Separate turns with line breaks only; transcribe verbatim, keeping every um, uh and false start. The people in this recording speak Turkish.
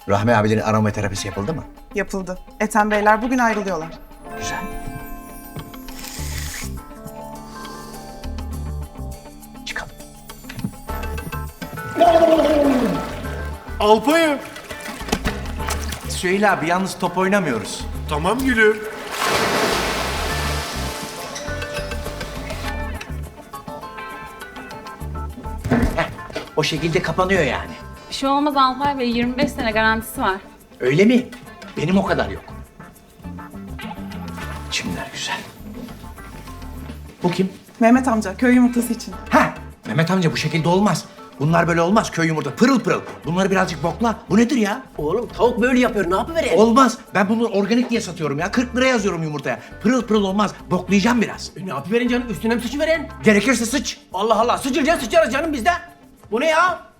Rahmi abilerin aromaterapisi yapıldı mı?
Yapıldı. Ethem Beyler bugün ayrılıyorlar.
Güzel. Çıkalım.
Alpayım.
Süheyl abi yalnız top oynamıyoruz.
Tamam gülüm.
O şekilde kapanıyor yani.
Bir şey olmaz Alpay Bey, yirmi beş sene garantisi var.
Öyle mi? Benim o kadar yok. Çimler güzel. Bu kim?
Mehmet amca köy yumurtası için.
Ha, Mehmet amca bu şekilde olmaz. Bunlar böyle olmaz. Köy yumurta pırıl pırıl. Bunları birazcık bokla. Bu nedir ya?
Oğlum tavuk böyle yapıyor, ne yapıvereyim?
Olmaz. Ben bunu organik diye satıyorum ya. kırk lira yazıyorum yumurtaya. Pırıl pırıl olmaz. Boklayacağım biraz.
E, ne yapıverin canım, üstüne mi sıçıverin?
Gerekirse sıç.
Allah Allah, sıçıracaksın sıçarız canım bizde. Bu ne ya?